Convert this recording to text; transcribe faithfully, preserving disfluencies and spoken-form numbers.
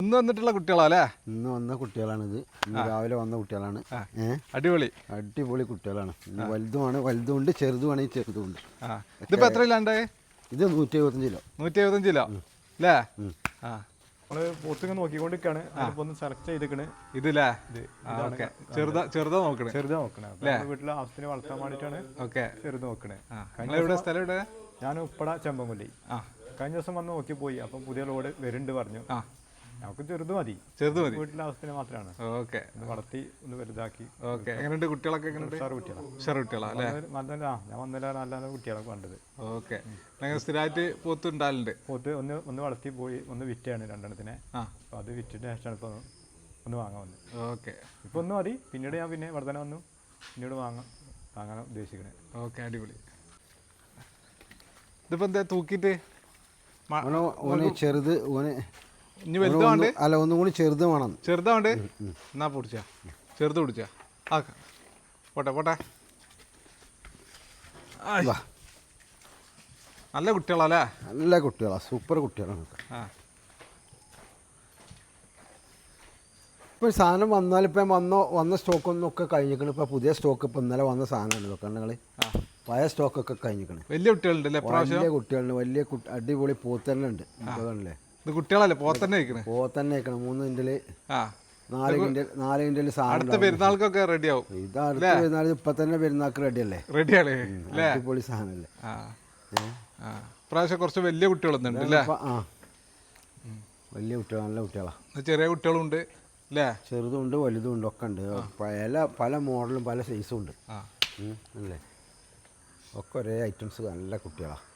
ഇന്ന് വന്നിട്ടുള്ള കുട്ടികളാല്ലേ? ഇന്ന് വന്ന കുട്ടികളാണിത്. ഇന്ന് രാവിലെ വന്ന കുട്ടികളാണ്. ഏഹ് അടിപൊളി അടിപൊളി കുട്ടികളാണ്. ഇന്ന് വലുതുമാണ്, വലുതുണ്ട്, ചെറുതുമാണ്. ഈ ചെറുതുണ്ട്. ഇതിപ്പോ എത്ര കിലോ ഉണ്ട്? ഇത് നൂറ്റി എഴുപത്തഞ്ച് കിലോ. നൂറ്റി എഴുപത്തഞ്ച് കിലോ അല്ലേ? ആ നമ്മള് പോത്തിങ്ങനെ നോക്കിക്കൊണ്ടിരിക്കാണ്. ഒന്ന് സെലക്ട് ചെയ്തിക്കണ്. ഇതില്ലേ? ചെറുതാ ചെറുതാ നോക്കണേ. ചെറുതാ നോക്കണേ. വീട്ടിലെ ആവശ്യത്തിന് വളർത്താൻ വേണ്ടിയിട്ടാണ് ചെറുത് നോക്കണേ. എവിടെ സ്ഥലം? ഇവിടെ ഞാൻ ഉപ്പട ചെമ്പൻകൊല്ലി. കഴിഞ്ഞ ദിവസം വന്ന് നോക്കി പോയി. അപ്പം പുതിയ ലോഡ് വരുന്നുണ്ട് പറഞ്ഞു. നമുക്ക് ചെറുത് മതി. ചെറുത് മതി, വീട്ടിലെ ആവശ്യത്തിന് മാത്രമാണ്. ഓക്കെ, വളർത്തി ഒന്ന് വലുതാക്കി. ഓക്കെ, എങ്ങനെയുണ്ട് കുട്ടികളൊക്കെ? ഉഷാർ കുട്ടികളാണ്. ഉഷാർ കുട്ടികളാണ്. ഞാൻ വന്നില്ല, നല്ല കുട്ടികളൊക്കെ കണ്ടത്. ഓക്കെ, സ്ഥിരമായിട്ട് പോത്ത് ഉണ്ടാലുണ്ട്. പോത്ത് ഒന്ന് ഒന്ന് വളർത്തി പോയി, ഒന്ന് വിറ്റാണ് രണ്ടെണ്ണത്തിനെ. അപ്പോൾ അത് വിറ്റിട്ട് ശേഷമാണ് ഇപ്പോൾ ഒന്ന് വാങ്ങാൻ വന്നത്. ഓക്കെ, ഇപ്പോൾ ഒന്ന് മതി. പിന്നീട് ഞാൻ പിന്നെ വർധന വന്നു പിന്നീട് വാങ്ങാൻ വാങ്ങാൻ ഉദ്ദേശിക്കണേ. ഓക്കെ, അടിപൊളി. ഇതിപ്പോൾ എന്താ തൂക്കിയിട്ട് ഓന് ചെറുത്, ഓന് ഇനി വലുതാണ്ട് അല്ല, ഒന്നും കൂടി ചെറുത് വേണം. ചെറുതാണ്ട് എന്നാ പിടിച്ചാ, ചെറുത് പിടിച്ചാ. ആ പോട്ടെ പോട്ടെ. നല്ല കുട്ടികളല്ലേ? നല്ല കുട്ടികളാ, സൂപ്പർ കുട്ടികളാണ്. ആ ഇപ്പോൾ സാധനം വന്നാലിപ്പം വന്നോ വന്ന സ്റ്റോക്കൊന്നും ഒക്കെ കഴിഞ്ഞിരിക്കണം. ഇപ്പോൾ പുതിയ സ്റ്റോക്ക് ഇപ്പം ഇന്നലെ വന്ന സാധനമാണ്. ഇതൊക്കെ നിങ്ങൾ പഴയ സ്റ്റോക്കൊക്കെ കഴിഞ്ഞിരിക്കണം. വലിയ കുട്ടികളുണ്ടല്ലേ? വലിയ കുട്ടികളുണ്ട്, വലിയ അടിപൊളി പോത്തന്നെ ഉണ്ട്. ഇതൊക്കെ ഇത് കുട്ടികളല്ലേ? പോത്തന്നെ കഴിക്കണേ? പോത്തന്നെ കഴിക്കണം. മൂന്ന് കിൻഡല് നാല് കിൻഡൽ നാല് കിൻഡല് സാധനം. പെരുന്നാൾക്കൊക്കെ റെഡി ആവും. ഇത് അടുത്ത പെരുന്നാൾ ഇപ്പം തന്നെ പെരുന്നാൾക്ക് റെഡിയല്ലേ? റെഡിയാണ്. അടിപൊളി സാധനമല്ലേ? പ്രാവശ്യം കുറച്ച് വലിയ കുട്ടികളൊന്നുണ്ട് അല്ലേ? ആ, വലിയ കുട്ടികൾ, നല്ല കുട്ടികളാണ്. ചെറിയ കുട്ടികളുണ്ട് അല്ലേ? ചെറുതുണ്ട്, വലുതുണ്ട്, ഒക്കെ ഉണ്ട്. പല പല മോഡലും പല സൈസും ഉണ്ട് അല്ലേ? ഒക്കെ ഒരേ ഐറ്റംസ്, നല്ല കുട്ടികളാണ്.